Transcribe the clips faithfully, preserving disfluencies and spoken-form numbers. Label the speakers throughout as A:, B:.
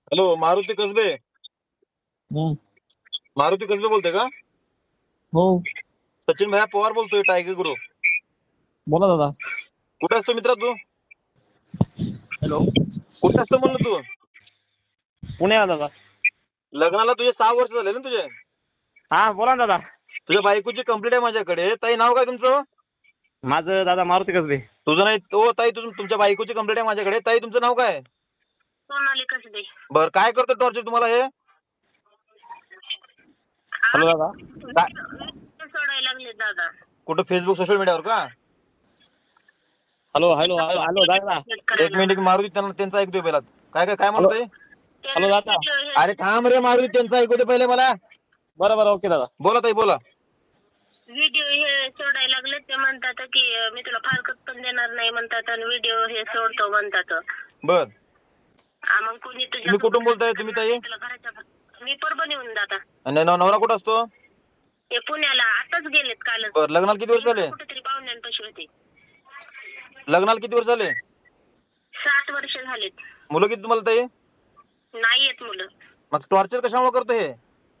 A: Hello, Maruti कसबे.
B: हम्म.
A: मारुती कसबे बोलतोय का?
B: हो,
A: सचिन भैया पवार बोलतोय, टायगर ग्रुप.
B: बोला दादा.
A: कुठे असतो मित्रा तू?
B: हॅलो,
A: कुठे असतो म्हणलं तू?
B: पुण्याला दादा.
A: लग्नाला तुझे सहा वर्ष झाले ना तुझे?
B: हा बोला ना दादा.
A: तुझ्या बायकोची कंप्लीट आहे माझ्याकडे. ताई नाव काय तुमचं?
B: माझं दादा मारुती कसबे.
A: तुझं नाही तो ताई, तुझं तुमच्या बायकोची कंप्लीट आहे माझ्याकडे. ताई तुमचं नाव काय?
C: सोनाली कसबे.
A: बर, काय करतो टॉर्चर तुम्हाला हे?
B: हॅलो दादा.
A: काय?
C: सोडायला लागले दादा.
A: कुठं फेसबुक सोशल मीडियावर का?
B: हॅलो हॅलो हॅलो हॅलो दादा.
A: एक मिनिट, मारुती त्यांना त्यांचं ऐकतोय पहिला. काय काय काय म्हणतोय?
B: हॅलो दादा.
A: अरे थांब रे मारुती, त्यांचं ऐकू दे पहिले मला.
B: बरं बरं, ओके दादा.
A: बोला ताई बोला.
C: व्हिडिओ हे सोडायला लागले. ते म्हणतात की मी तुला फारकत पण देणार नाही म्हणतात आणि व्हिडिओ हे सोडतो म्हणतात.
A: बर,
C: आ, मग कुणी तुझ्या
A: तुम्ही कुठून बोलताय तुम्ही ताई?
C: तुला घराच्या मी परभणीहून दादा.
A: आणि नव- नवरा कुठं असतो?
C: ते पुण्याला आताच गेलेत कालच.
A: बर, लग्नाला किती वर्ष झाले?
C: कुठेतरी पाहुण्यांपाशी होते.
A: लग्नाला किती वर्ष झाले?
C: सात वर्ष झालेत.
A: मुलं किती तुम्हाला ताई?
C: नाही येत मुलं.
A: मग टॉर्चर कशामुळे करतो हे?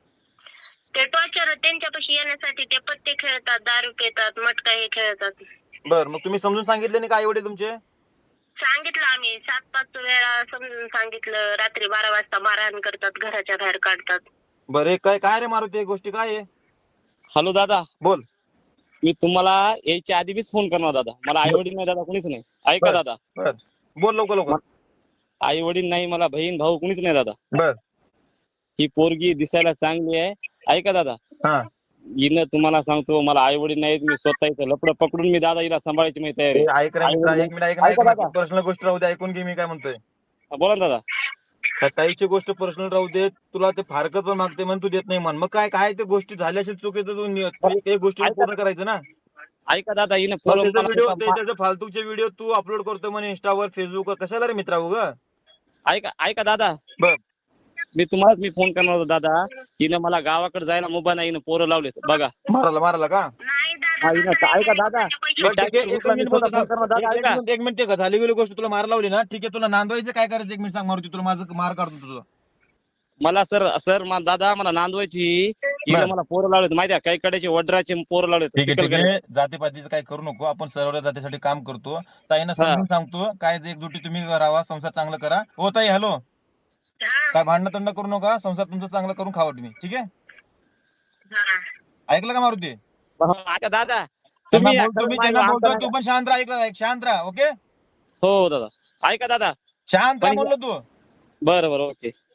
C: ते टॉर्चर त्यांच्यापाशी येण्यासाठी ते पत्ते खेळतात, दारू पितात, मटका हे खेळतात.
A: बर, मग तुम्ही समजून सांगितले नाही का आई वडील तुमचे?
C: सांगितलं आम्ही सात पाच वेळा समजून सांगितलं. रात्री बारा वाजता मारहाण करतात, घराच्या बाहेर काढतात.
A: बरे, काय काय रे मारुती, गोष्टी काय आहे?
B: हॅलो दादा.
A: बोल.
B: मी तुम्हाला यायच्या आधी बीच फोन करणार दादा. मला आई वडील नाही दादा, कुणीच नाही. ऐका
A: बर.
B: दादा.
A: बर, बोल लवकर लवकर.
B: आई वडील नाही, मला बहीण भाऊ कुणीच नाही दादा.
A: बर.
B: ही पोरगी दिसायला चांगली आहे. ऐका दादा.
A: हा,
B: हिनं तुम्हाला सांगतो, मला आई वडील नाहीत. मी स्वतः इथं लपडं पकडून मी दादा हिला सांभाळायची माझी तयारी
A: ए,
B: आहे.
A: ऐक रे
B: आई
A: मित्रा,
B: वडील-
A: एक मिनिट ऐक ना, ऐक
B: ऐका
A: ना.
B: दादा.
A: पर्सनल गोष्ट राहू दे, ऐकून घे मी काय म्हणतोय.
B: हा, बोला ना दादा.
A: त्या ताईची गोष्ट पर्सनल राहू दे. तुला ते फारकत पण मागते म्हण, तू देत नाही म्हण. मग काय काय ते गोष्टी झाल्या असेल चुकीचं, तू नि- तू एक एक गोष्टी
B: ऐका-
A: पूर्ण करायचं ना.
B: ऐका दादा, हिनं
A: मग
B: फोन
A: त्याचा व्हिडिओ त्याचे फालतूचे व्हिडिओ तू अपलोड करतो म्हणे इंस्टावर, फेसबुकवर. कशाला रे मित्रा उगा?
B: ऐका ऐका दादा.
A: बर.
B: मी तुम्हालाच मी फोन करणार होतो दादा. हिनं मला गावाकडे जायला मोबाईल नाही, हिनं पोरं लावलेत बघा.
A: मारायला मारायला का?
C: नाही
B: हा, हिनं
C: दादा,
B: ऐका दादा.
C: पैसे-
B: मी
A: बरं, ठीक आहे,
B: ट्रॅक्टर
A: एक
B: उचला, मी
A: मिनिट
B: स्वतः
A: बोलतो
B: फोन
A: थांब.
B: करणार दादा.
A: एक- एक
B: ऐका.
A: मिनिट एक मिनिट, ते झाली गेली गोष्ट तुला मार लावली ना, ठीक आहे. तुला नांदवायचं काय करायचं एक मिनिट सांग मारुती, तुला माझं मार काढतो तुझं.
B: मला सर सर मला दादा मला नांदवायची. हिनं
A: बरं.
B: मला पोरं लावलेत माहिती आहे, काही कड्याचे वड्राचे पोरं लावलेत.
A: ठीक आहे
B: चिखल
A: ठीक
B: करायचे.
A: आहे, जातीपातीचं काय करू नको. आपण सर्व जातीसाठी काम करतो. ताईंना
B: हा.
A: समजून सांगतो, काय एकजुटी तुम्ही राहा, संसार चांगला करा. हो ताई, हॅलो.
C: हा,
A: काय भांडण तंड करू नका, संसार तुमचा चांगला करून खावा तुम्ही, ठीक आहे?
C: हा.
A: ऐकलं का मारुती?
B: हा, ऐका दादा.
A: त्यांना
B: तुम्ही
A: बोलतो मी, त्यांना बोलतो तू पण शांत राहा. ऐकलं, शांत राहा. ओके,
B: हो दादा. ऐका दादा.
A: शांत राहा
B: पण-
A: म्हणलं तू.
B: बरं बरं, ओके.